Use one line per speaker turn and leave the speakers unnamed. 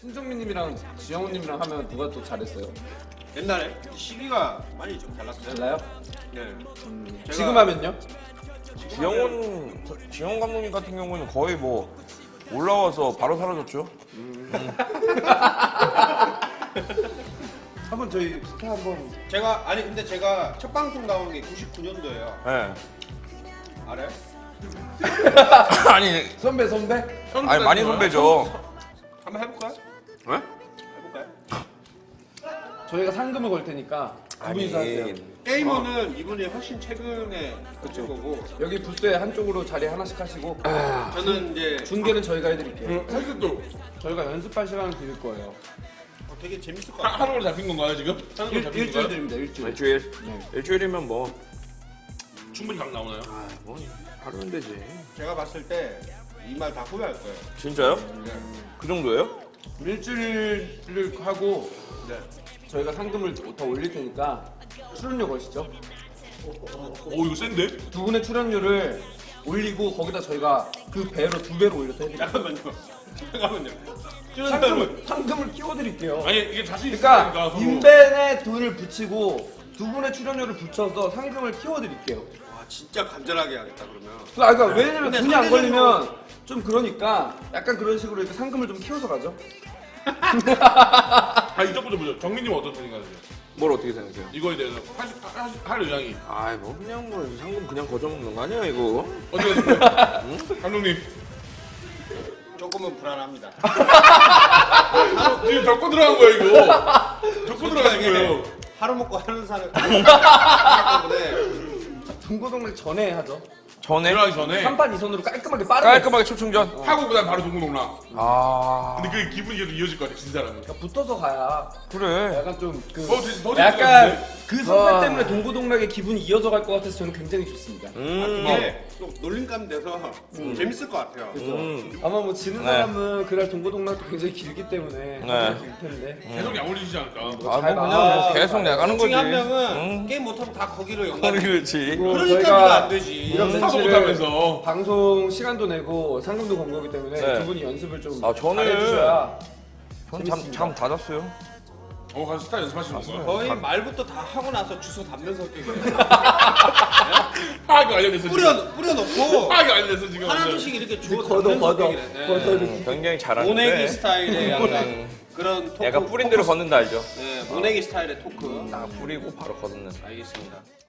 신정민님이랑 지영훈님이랑 하면 누가 더 잘했어요?
옛날에 시기가 많이 좀 달랐어요.
달라요?
네.
지금 하면요?
지영훈 감독님 같은 경우는 거의 뭐 올라와서 바로 사라졌죠.
한번 저희 스타 한번
근데 제가 첫 방송 나온 게 99년도예요.
네.
알아요?
아니
선배
아니 많이 선배죠.
한번 해볼까요?
네?
해볼까요?
저희가 상금을 걸 테니까 두 분이서 하세요.
게이머는 이분이 훨씬 최근에 그친 거고
여기 부스에 한쪽으로 자리 하나씩 하시고
저는 이제
중계는 저희가 해드릴게요.
사실 또
저희가 연습할 시간을 드릴 거예요.
되게 재밌을 것 같아요.
하는 걸로 잡힌 건가요 지금? 하는 걸로 잡힌
일주일
건가요?
드립니다. 일주일.
일주일.
네.
일주일이면 뭐.
충분히 각 나오나요?
뭐 하루면 되지.
제가 봤을 때 이 말 다 후회할 거예요.
진짜요?
네.
그 정도예요?
일주일을 하고
네.
저희가 상금을 더 올릴 테니까 출연료 거시죠.
오 이거 센데?
두 분의 출연료를 올리고 거기다 저희가 그 배로 두 배로 올려서 해드릴게요.
잠깐만요.
상금을 끼워드릴게요.
아니 이게 자신
그러니까
있으니까 서로.
인벤에 돈을 붙이고 두 분의 출연료를 붙여서 상금을 키워드릴게요.
와 진짜 간절하게 하겠다 그러면.
그러니까 왜냐면
근데
돈이 안
상대적으로-
걸리면 좀 그러니까 약간 그런 식으로 이렇게 상금을 좀 키워서 가죠.
아 이쪽부터 보죠. 정민님 어떤 편인가요?
뭘 어떻게 생각해요?
이거에 대해서 할 의향이
아이 뭐 그냥 뭐 상금 그냥 거저먹는 거 아니야 이거?
어떻게 생각해요? 감독님
조금은 불안합니다.
지금 적고 들어간 거야 이거. 적고 들어간 거예요.
하루 먹고 하는 사람 때문에
동고동락 전에 하죠.
전에
들어가기 전에
3판 2선으로 깔끔하게 빠르게.
깔끔하게 초충전.
하고 그다음 바로 동고동락.
아
근데 그 기분이 계속 이어질 것 같아 진 사람은.
그러니까 붙어서 가야
그래.
약간 좀 그
더 재밌을 것
약간
같은데?
그 선배
와.
때문에 동고동락의 기분이 이어져 갈 것 같아서 저는 굉장히 좋습니다.
이게 또 놀림감 돼서 재밌을 것 같아요.
아마 뭐 지는
네.
사람은 그날 동고동락도 굉장히 길기 때문에
네.
길 텐데.
계속 약올리지 않을까?
아,
잘
뭐 그냥
봐.
뭐 계속 나가는 거지.
중에 한 명은
응.
게임 못하면 다 거기로 연관.
그렇지.
그러니까
저희가
네가 안 되지.
이런
스타도
멘트를
못하면서.
방송 시간도 내고 상금도 건 거기 때문에
네.
두 분이 연습을 좀
아, 저는-
잘해주셔야
전 잠다 잤어요.
가서 스타 연습하시는 건가요?
거의 말부터 다 하고 나서 주소 담는 성격이에요.
파악이 완료됐어 지금.
뿌려놓고
파악이 완료됐어 지금.
하나둘씩 이렇게 주워
걷어
담는
걷어
성격이래. 네.
걷어
굉장히 잘하는데.
모내기 스타일의 약간 그런 토크.
약간 뿌린 대로 걷는다 알죠?
네, 모내기 스타일의 토크.
딱 뿌리고 바로 걷는.
알겠습니다.